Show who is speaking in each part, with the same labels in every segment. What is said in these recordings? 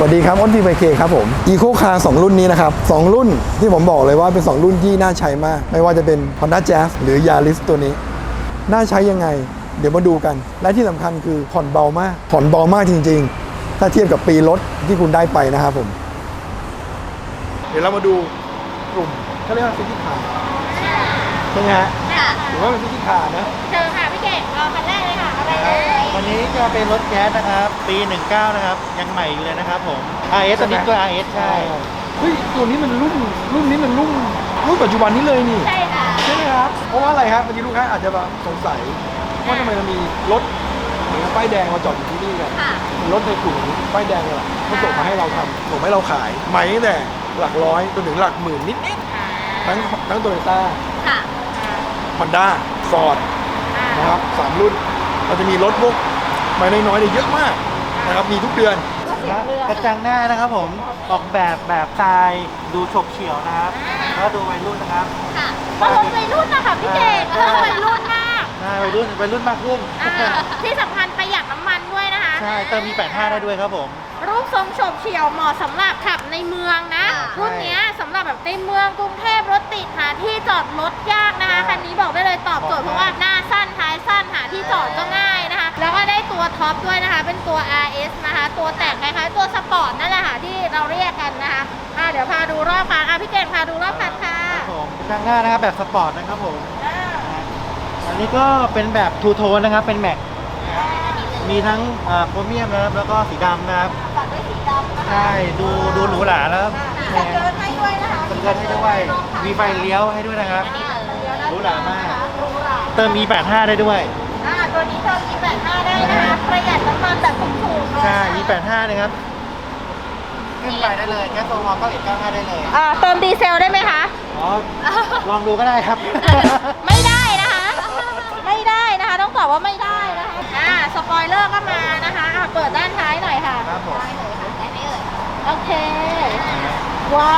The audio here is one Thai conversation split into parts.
Speaker 1: วัสดีครับอ้นทีไบเคครับผมอีโคคาร์2รุ่นนี้นะครับ2รุ่นที่ผมบอกเลยว่าเป็น2รุ่นที่น่าใช้มากไม่ว่าจะเป็น Honda Jazz หรือ Yaris ตัวนี้น่าใช้ยังไงเดี๋ยวมาดูกันและที่สำคัญคือผ่อนเบามากจริงๆถ้าเทียบกับปีรถที่คุณได้ไปนะครับผมเดี๋ยวเรามาดูกลุ่มเขาเรียกว่าซิตี้คาร์ใช่ไหมฮะหรือว่าเป็นซิตี้คาร์นะ
Speaker 2: เชิญค่ะพี่เก่งเราคันแรกเลยค่ะเอาไปเลย
Speaker 3: วันนี้จะเป็นรถแก๊สนะครับปี19นะครับยังใหม่อยู่เลยนะครับผม RS ตัวนี้ก็ RS ใช่
Speaker 1: เฮ้ยตัวนี้มันรุ่นนี้มันรุ่นปัจจุบันนี้เลยนี่
Speaker 2: ใช่ค่ะ
Speaker 1: ใช่ไหมครับเพราะว่าอะไรครับบางทีลูกค้าอาจจะแบบสงสัยว่าทำไมเรามีรถเหมือนป้ายแดงมาจอดอยู่ที่นี่กัน
Speaker 2: ค่ะ
Speaker 1: รถในกลุ่มป้ายแดงเลยล่ะเขาส่งมาให้เราทำส่งให้เราขายใหม่ตั้งแต่หลักร้อยจนถึงหลักหมื่นนิดทั้งโตโยต้า
Speaker 2: ค่ะ
Speaker 1: ฮอนด้าฟอร์ดนะครับ3รุ่นเราจะมีรถพวกใหม่น้อยๆเนี่ยเยอะมากนะครับมีทุกเดือน
Speaker 3: กระจังหน้านะครับผมออกแบบสไตล์ดูฉกเฉี่ยวนะครับแล้วดูวัยรุ่นนะครับ
Speaker 2: ค่ะอารมณ์วัยรุ่นนะคะพี่เก่งวัยรุ่นมาก
Speaker 3: ใช่วัยรุ่นมากขึ้น
Speaker 2: ที่สำคัญประหยัดน้ำมันด้วยนะคะ
Speaker 3: ใช่เติมมี85ได้ด้วยครับผม
Speaker 2: รูปทรงโฉบเฉี่ยวเหมาะสำหรับขับในเมืองนะรุ่นนี้สำหรับแบบในเมืองกรุงเทพรถติดหาที่จอดรถยากนะคะคันนี้บอกได้เลยตอบโจทย์เพราะว่าหน้าสั้นท้ายสั้นหาที่จอดก็ง่ายนะคะแล้วก็ได้ตัวท็อปด้วยนะคะเป็นตัว RS นะคะตัวแต่งคล้ายๆตัวสปอร์ตนั่นแหละค่ะที่เราเรียกกันนะคะเดี๋ยวพาดูรอบคันพี่เก่งพาดูรอบคันค่ะ
Speaker 3: ครับผมกระจังหน้านะครับแบบสปอร์ตนะครับผมอันนี้ก็เป็นแบบทูโทนนะครับเป็นแม็กมีทั้งโครเมียมนะครับแล้วก็สีดำนะครับ
Speaker 2: ตัดด้วยสีดำนะคะ
Speaker 3: ใช่ดูหรูหราแล้ว
Speaker 2: มีสเกิร์ตให้ด้วยนะคะ
Speaker 3: สเกิร์ตให้ด้วยมีไฟเลี้ยวให้ด้วยนะครับหรูหรามากเติม E85 ได้ด้วย
Speaker 2: ตัวนี้เติม E85 ได้นะคะประหยัดน้ำมันแบบถูกๆเลย
Speaker 3: ใช่ E85 นะครับขึ้นไปได้เลยแก๊สโซฮอล์ก็195ได้เลย
Speaker 2: เติมดีเซลได้ไหมคะ
Speaker 3: อ๋อลองดูก็ได้ครับ
Speaker 2: ไม่ได้นะคะ ไม่ได้นะคะ ต้องตอบว่าไม่ได้นะคะสปอยเลอร์ก็มานะคะเปิดด้านท้ายหน่อยค่ะ
Speaker 3: ครับผม
Speaker 2: ได้เลยค่ะได้ไหมเอ่ยโอเค ว้าว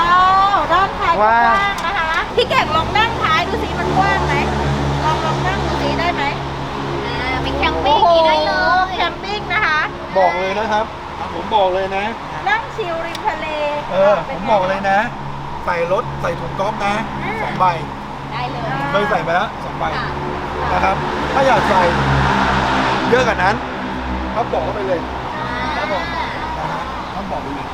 Speaker 2: ด้านท้ายกว้างนะคะพี่เก่งลองนั่งท้ายดูสิมันกว้างไหมลองนั่งดูสิได้ไหมเป็นแคมปิ้งได้เลยแคมปิ้งนะคะ
Speaker 1: บอกเลยนะครับผมบอกเลยนะ
Speaker 2: นั่งชิลริมทะเล
Speaker 1: ผมบอกเลยนะใส่รถใส่ถุงก๊อฟนะ2 ใบ
Speaker 2: ได้เลย
Speaker 1: เคยใส่ไปแล้ว2 ใบนะครับถ้าอยากใส่เยอะกว่านั้นก็บอกเข้าไปเลยครับผมต้องบอกไปเลย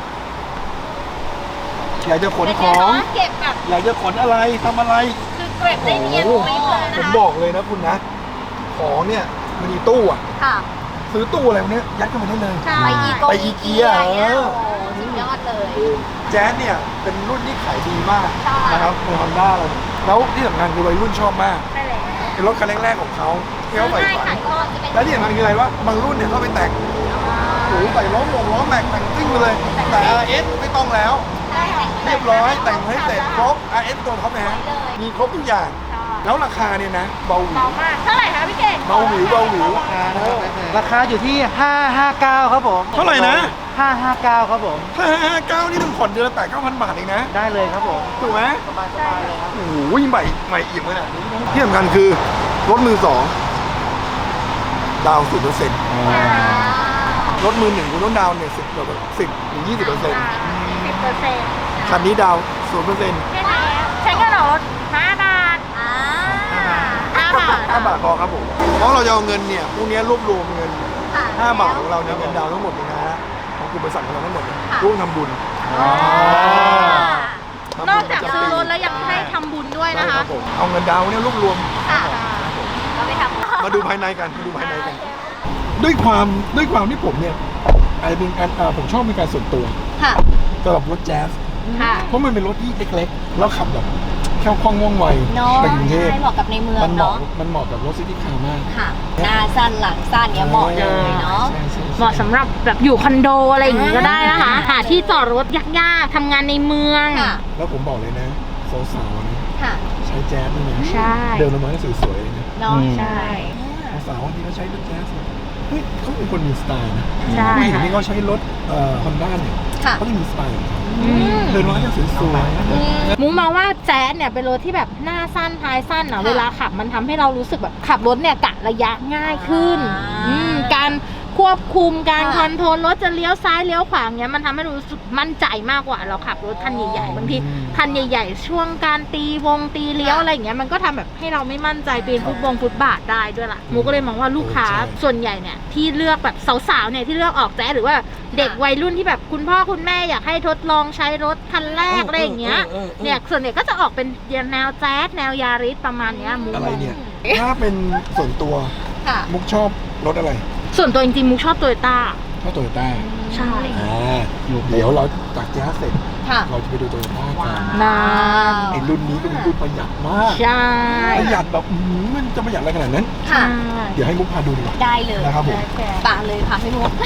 Speaker 1: อยากจะขนของ
Speaker 2: เก็บแบบ
Speaker 1: อยากจะขนอะไรทำอะไร
Speaker 2: คือเก็บได้เนียนกริบเลยนะคะ
Speaker 1: ผมบอกเลยนะคุณนะของเนี่ยมันมีตู้อะ
Speaker 2: ค่ะ
Speaker 1: ซื้อตู้อะไรพวกนี้ยัดเข้าไปได้เลย
Speaker 2: ไปอีเกียสุดยอดเลย
Speaker 1: แจ๊สเนี่ยเป็นรุ่นที่ขายดีมาก
Speaker 2: ใช่
Speaker 1: นะครับในฮอนด้าเราแล้วที่สำคัญคือวัยรุ่นชอบมาก
Speaker 2: ใช่แล้ว
Speaker 1: เป็นรถคันแรกๆของเขาที่เขาใฝ่ฝัน
Speaker 2: ขายทอดจะเป็น
Speaker 1: และที่สำคัญคืออะไรวะบางรุ่นเนี่ยเขาไปแต่งโอ้โหใส่ล้อแม็กแต่งซิ่งไปเลยแต่ RS ไม่ต้องแล้ว เรียบร้อยแต่งให้เสร็จครบ RS ตัวท็อปนะฮะมีครบทุกอย่าง แล้วราคาเนี่ยนะเบาหวิ
Speaker 2: เบามากเท่าไหร่คะพี่เก่ง
Speaker 1: เบาหวิว
Speaker 3: ราคาอยู่ที่559ครับผม
Speaker 1: เท่าไหร่นะ
Speaker 3: 559ครับผม
Speaker 1: ถ้า59นี่มันผ่อนเดือนละ8-9,000 บาทเองนะ
Speaker 3: ได้เลยครับผม
Speaker 1: ถูกไหม
Speaker 3: สบายเลยครับ
Speaker 1: โอ้โหใหม่เอี่ยมขนาดนี้นะที่สำคัญคือรถมือสองดาวน์0%รถมือหนึ่งคุณต้องดาวน์เนี่ย10 ถึง 20%
Speaker 2: 10%
Speaker 1: คันนี้ดาวน์0%
Speaker 2: แค่นี้ใช้เงินออกรถ5 บาท5 บาท
Speaker 1: 5 บาทพอครับผมเพราะเราจะเอาเงินเนี่ยพวกนี้รวบรวมเงิน 5 บาทของเราเนี่ยเงินดาวน์ทั้งหมดเลยนะฮะของกลุ่มบริษัทของเราทั้งหมดเนี่ยร่วมทำบุญ
Speaker 2: นอกจากซื้อรถแล้วยังให้ทำบุญด้วยนะ
Speaker 1: ใช่ค
Speaker 2: คะ
Speaker 1: รับผมเอาเงินดาวน์เนี่ยรวบรวม
Speaker 2: เราไปทำ
Speaker 1: มาดูภายในกันด้วยความที่ผมเนี่ยอาจจะเป็นการผมชอบเป็นการส่วนตัว
Speaker 2: ค่ะ
Speaker 1: สำหรับรถแจ๊ส
Speaker 2: ค่ะ
Speaker 1: เพราะมันเป็นรถที่เล็กๆแล้วขับแบบแค่คล่องว่องไว
Speaker 4: เนาะ
Speaker 1: ไปกรุงเทพ
Speaker 4: ใช่เหมาะกับในเมือง
Speaker 1: มันเหมาะ
Speaker 4: เนาะ
Speaker 1: มันเหมาะกับรถซิตี้คาร์มาก
Speaker 4: ค่ะ หน้าสั้นหลังสั้นเนี่ยเหมาะเลยเนาะ
Speaker 1: ใช่
Speaker 2: เหมาะสำหรับแบบอยู่คอนโดอะไรอย่างงี้ก็ได้นะคะหาที่จอดรถยากๆทำงานในเมือง
Speaker 4: ค่ะ
Speaker 1: แล้วผมบอกเลยนะสาวๆนะ
Speaker 4: ค่ะ
Speaker 1: ใช้แจ๊สนี่นะ
Speaker 2: ใช่
Speaker 1: เดินลงมาก็สวยๆเลยนะ
Speaker 4: เนาะ
Speaker 2: ใช่
Speaker 1: สาวๆบางทีเขาใช้รถแจ๊สเนี่ยเฮ้ยเขาเป็นคนมีสไตล์นะ
Speaker 2: ใช่
Speaker 1: ผู้หญิงที่เขาใช้รถฮอนด้าเนี่ย
Speaker 4: ค่ะ
Speaker 1: เขาจะมีสไตล์ของเขา
Speaker 2: อืม
Speaker 1: เดินมาก็สวยๆ
Speaker 2: มุ้งมองว่าแจ๊สเนี่ยเป็นรถที่แบบหน้าสั้นท้ายสั้นอะเวลาขับมันทำให้เรารู้สึกแบบขับรถเนี่ยกะระยะง่ายขึ้น
Speaker 4: อ่า
Speaker 2: การควบคุมการ
Speaker 4: ค่ะ
Speaker 2: คอนโทรลรถจะเลี้ยวซ้ายเลี้ยวขวาเงี้ยมันทำให้รู้สึกมั่นใจมากกว่าเราขับรถคันใหญ่ๆบางทีคันใหญ่ๆช่วงการตีเลี้ยวอะไรอย่างเงี้ยมันก็ทำแบบให้เราไม่มั่นใจปีนฟุตบาทได้ด้วยล่ะมูก็เลยมองว่าลูกค้าส่วนใหญ่เนี่ยที่เลือกแบบสาวๆเนี่ยที่เลือกออกแจ๊สหรือว่าเด็กวัยรุ่นที่แบบคุณพ่อคุณแม่อยากให้ทดลองใช้รถคันแรกอะไรอย่างเงี้ยเนี่ยส่วนใหญ่ก็จะออกเป็นแนวแจ๊สแนวยาริสประมาณเนี้ยมู
Speaker 1: อะไรเนี่ย ถ้าเป็นส่วนตัว
Speaker 4: ค่ะ
Speaker 1: มุกชอบรถอะไร
Speaker 2: ส่วนตัวจริงๆมูชอบโตโยต้า
Speaker 1: ชอบโตโยต้า
Speaker 2: ใช่
Speaker 1: เดี๋ยวเราจากแจ๊สเสร็จ
Speaker 4: ค่ะ
Speaker 1: เราจะไปดูโตโยต้ากัน
Speaker 2: นาน
Speaker 1: ไอ้รุ่นนี้ก็เป็นรุ่นประหยัดมาก
Speaker 2: ใช่
Speaker 1: ประหยัดแบบมันจะประหยัดอะไรขนาดนั้น
Speaker 4: ค่ะ
Speaker 1: เดี๋ยวให้มุกพาดูดีกว่า
Speaker 4: ได้เลย
Speaker 1: นะครับผม
Speaker 4: ป่าเลยค่ะพี่มุก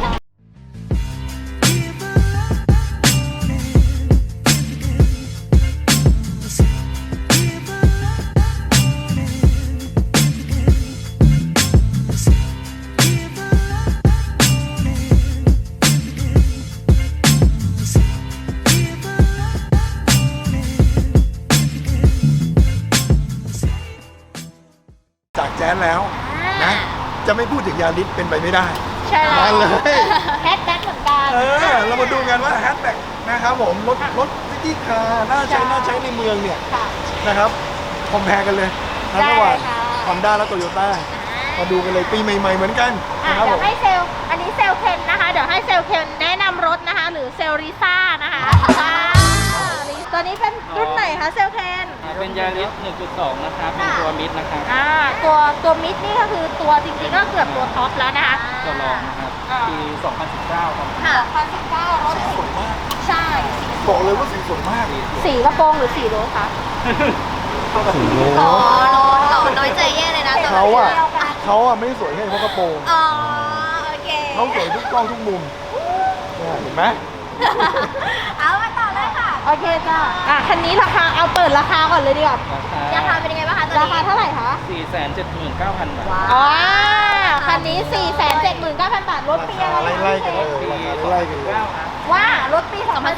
Speaker 1: จากแจ๊สแล้วนะ จะไม่พูดถึงยาริสเป็นไปไม่ได้
Speaker 2: ใช่
Speaker 1: มาเลย
Speaker 2: แฮชแบ็คเหมือนกัน
Speaker 1: เรามาดูกันว่าแฮชแท็กนะครับผมรถซิตี้คาร์น่าใช้ในเมืองเนี่ย
Speaker 2: ค่ะ
Speaker 1: นะครับคอมแพร์กันเลยนะ
Speaker 2: ได้
Speaker 1: ระหว่าง
Speaker 2: ค่ะ
Speaker 1: ฮอนด้าและโตโยต้ามาดูกันเลยปีใหม่ๆเหมือนกัน
Speaker 2: อ่ะ
Speaker 1: นะครับ
Speaker 2: เดี๋
Speaker 1: ผ
Speaker 2: ยว
Speaker 1: ม
Speaker 2: ให้เซลล์อันนี้เซลล์เคนนะคะ เดี๋ยวให้เซลล์เคนแนะนำรถนะคะ หรือเซลล์ริซ่านะคะตัวนี้เป็นรุ่นไหนคะเซลล์เคน
Speaker 5: เป็นยาริส 1.2 นะครับ เป็นตัวมิดนะครับ
Speaker 2: ตัวมิดนี่ก็คือตัวจริงๆก็เกือบตัวท็อปแล้วนะคะ
Speaker 5: ตัวรองนะครับ ปี 2019 ครับ
Speaker 4: ค่ะ
Speaker 2: 2019รถ
Speaker 1: สวยมาก
Speaker 2: ใช่
Speaker 1: บอกเลยว่าสีสวยมาก
Speaker 2: สีกระโปรงหรือสีรถคะ
Speaker 1: สีโล
Speaker 4: อ๋อเราน้อยใจแย่เลยนะแต่
Speaker 1: เขา
Speaker 4: ว่า
Speaker 1: อะไม่ได้สวยแค่เพราะกระโปรง
Speaker 4: อ๋อโอเค
Speaker 1: เขาสวยทุกกล้องทุกมุมเนี่ยเห็นไหม
Speaker 4: เอามาต่อเลยค่ะ
Speaker 2: โอเคจ้ะคันนี้ราคาเอาเปิดราคาก่อนเลยดีกว่า
Speaker 4: ราคาเป็นยังไงบ้างคะตอน
Speaker 2: รา
Speaker 4: นี้
Speaker 2: คาเท่าไหร่คะ
Speaker 5: 479,000 บาท
Speaker 4: ว้าว
Speaker 2: อ๋อคันนี้ 479,000 บาทรถปีอะไรคะ
Speaker 1: ไล่ๆกันเลย
Speaker 5: ปี
Speaker 1: ไล่ๆกันเลย
Speaker 5: 2019 ครับ
Speaker 2: ว่ารถปี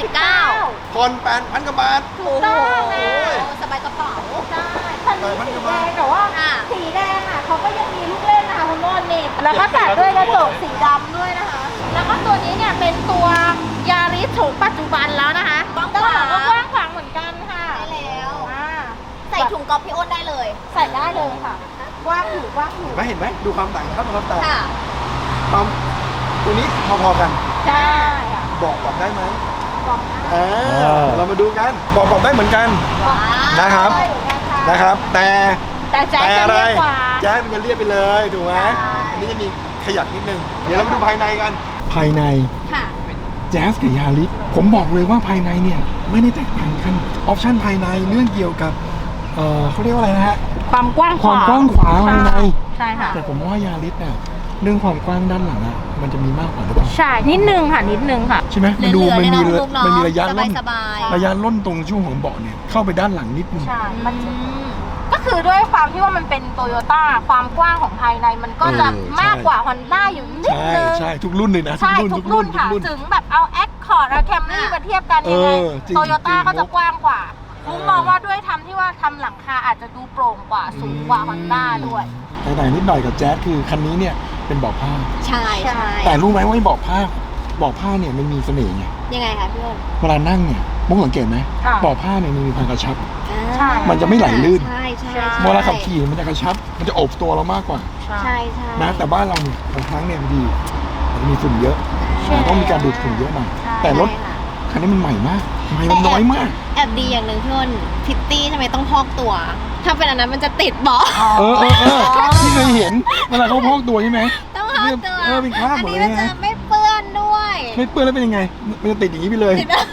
Speaker 2: 2019
Speaker 1: ผ่อน8,000 กว่าบาท
Speaker 2: ถูกต้องนะ
Speaker 4: สบายกระเป๋า
Speaker 2: ใช่คันนี้สีแดงแต่ว่า
Speaker 4: อ่ะ
Speaker 2: สีแดงอ่ะเขาก็ยังมีลูกเล่นนะคะคุณโน่นนี่แล้วก็ตัดด้วยกระจกสีดำด้วยนะคะ แล้วก็ตัวนี้เนี่ยเป็นตัวยาริสโฉมปัจจุบันแล้วนะคะ
Speaker 4: กว้างข
Speaker 2: ต
Speaker 4: วาง
Speaker 2: ลาดก็กว้างขวางเหมือนกันค่ะ
Speaker 4: ได้แล้ว
Speaker 2: อ่า
Speaker 4: ใส่ถุงก๊อฟพี่อ้นได้เลย
Speaker 2: ใส่ได้เลยค่ะกว้างอยู่กว้างอยู่
Speaker 1: เห็นไหมดูความต่างครับความต่าง
Speaker 4: ค่ะ
Speaker 1: ความตัวนี้พอๆกัน
Speaker 2: ใช่ค่ะ
Speaker 1: บอกได้ไหม
Speaker 2: บอก
Speaker 1: เรามาดูกันบอกได้เหมือนกัน
Speaker 4: ว้าว
Speaker 1: นะครับ
Speaker 2: ได้เหมือนกันค่ะ
Speaker 1: นะครับ แต่
Speaker 2: แต่แจ๊คจะ
Speaker 1: อะไร
Speaker 2: เรียกกว่า
Speaker 1: แจ๊สมันจะเรียกไปเลยถูกไหม
Speaker 2: ใช่
Speaker 1: อันนี้จะมีขยับนิดนึงเดี๋ยวเรามาดูภายในกัน ภายใน
Speaker 4: ค่ะ
Speaker 1: แจ๊สกับยาริสผมบอกเลยว่าภายในเนี่ยไม่ได้แตกต่างกันออปชั่นภายในเรื่องเกี่ยวกับเขาเรียกว่าอะไรนะฮะ
Speaker 2: ความกว้างขวาง
Speaker 1: ความกว้างขวางภายใน
Speaker 2: ใช่ค่ะ
Speaker 1: แต่ผมว่ายาริสเนี่ยเรื่องความกว้างด้านหลังอะมันจะมีมากกว่าหรือเปล่า
Speaker 2: ใช่นิดนึงค่ะนิดนึงค่ะ
Speaker 1: ใช่ไหมมันดู
Speaker 4: เหลื
Speaker 1: มัน
Speaker 4: อๆ
Speaker 1: มี
Speaker 4: เลยเนอะลูกเนอะ
Speaker 1: มันมีระยะล่น
Speaker 4: สบายๆ
Speaker 1: ระยะล่นตรงช่วงของเบาะเนี่ยเข้าไปด้านหลังนิดนึง
Speaker 2: ใช่ มันก็คือด้วยความที่ว่ามันเป็นโตโยต้าความกว้างของภายในมันก็จะ
Speaker 1: ใช่
Speaker 2: มากกว่า Honda อยู่นิด
Speaker 1: ใช่
Speaker 2: นึง
Speaker 1: ใช่ทุกรุ่นเลยนะ
Speaker 2: ใช่ทุกรุ่นค่ะ ถึงแบบเอา Accord เอา Camry มาเทียบกันยังไง
Speaker 1: จริง
Speaker 2: โตโยต้า
Speaker 1: จริง
Speaker 2: ก็จะกว้างกว่ามุมมองว่าด้วยทำที่ว่าทำหลังคาอาจจะดูโปร่งกว่าสูงกว่า Honda ด้วย
Speaker 1: แต่ต่างนิดหน่อยกับแจ๊สคือคันนี้เนี่ยเป็นเบาะผ้า
Speaker 4: ใช่ใช่
Speaker 1: แต่รู้ไหมว่าไอ้เบาะผ้าเนี่ยมันมีเสน่ห์ไง
Speaker 4: ยังไงคะพี่อ้น
Speaker 1: เวลานั่งเนี่ยมุกสังเกตไหม
Speaker 2: ค่ะ
Speaker 1: เบาะผ้าเนี่ยมันมีความกระชับ
Speaker 2: ใช่
Speaker 1: มันจะไม่ไหลลื่น
Speaker 4: ใช่ใช่
Speaker 1: เวลาขับขี่มันจะกระชับ มันจะโอบตัวเรามากกว่า
Speaker 4: ใช่ใช่
Speaker 1: นะแต่บ้านเราเนี่ยบางครั้งเนี่ยมันดีมันจะมีฝุ่นเยอะ
Speaker 2: ใช่
Speaker 1: ต้องมีการดูดฝุ่นเยอะหน่อย
Speaker 2: ใช่
Speaker 1: แต่รถ
Speaker 4: ใช่ค่ะ
Speaker 1: คันนี้มันใหม่มากใหม่มันน้อยมาก
Speaker 4: แอบดีอย่างหนึ่งพี่อ้นพิตตี้ทำไมต้องพอกตัว ถ้าเป็นอันนั้นมันจะติดเบาะ
Speaker 1: ที่เคยเห็นเวลาเขาพอกตัวใช่ไหม
Speaker 4: ต้องพอกตัว
Speaker 1: เป็นคราบ
Speaker 4: อัน
Speaker 1: หมด
Speaker 4: นี้
Speaker 1: เลย
Speaker 4: มันจะ
Speaker 1: นะ
Speaker 4: ไม่เปื้อนด้วย
Speaker 1: ไม่เปื้อนแล้วเป็นยังไง มันจะติดอย่างนี้ไปเลย
Speaker 4: ติดได้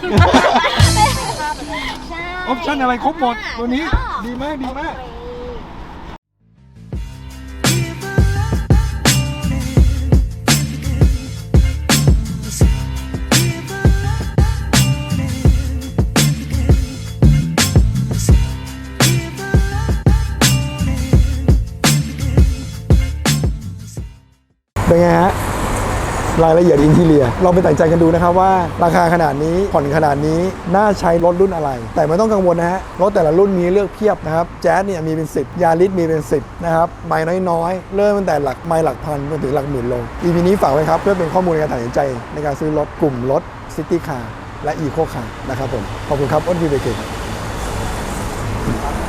Speaker 4: ใช่
Speaker 1: ออปชั่นอะไรครบหมดตัวนี้ดีมากดีมาก เป็นไงฮะรายละเอียดอินทีเรียลองไปตัดใจกันดูนะครับว่าราคาขนาดนี้ผ่อนขนาดนี้น่าใช้รถรุ่นอะไร แต่ไม่ต้องกังวลนะฮะรถแต่ละรุ่นมีเลือกเพียบนะครับแจ๊สเนี่ยมีเป็น10ยาริสมีเป็น10นะครับไมล์น้อยๆเริ่มตั้งแต่หลักไมล์หลักพันจนถึงหลักหมื่นโล EP นี้ฝากไว้ครับเพื่อเป็นข้อมูลในการตัดสินใจในการซื้อรถกลุ่มรถซิตี้คาร์และอีโคคาร์นะครับผมขอบคุณครับอ้นพีเบเก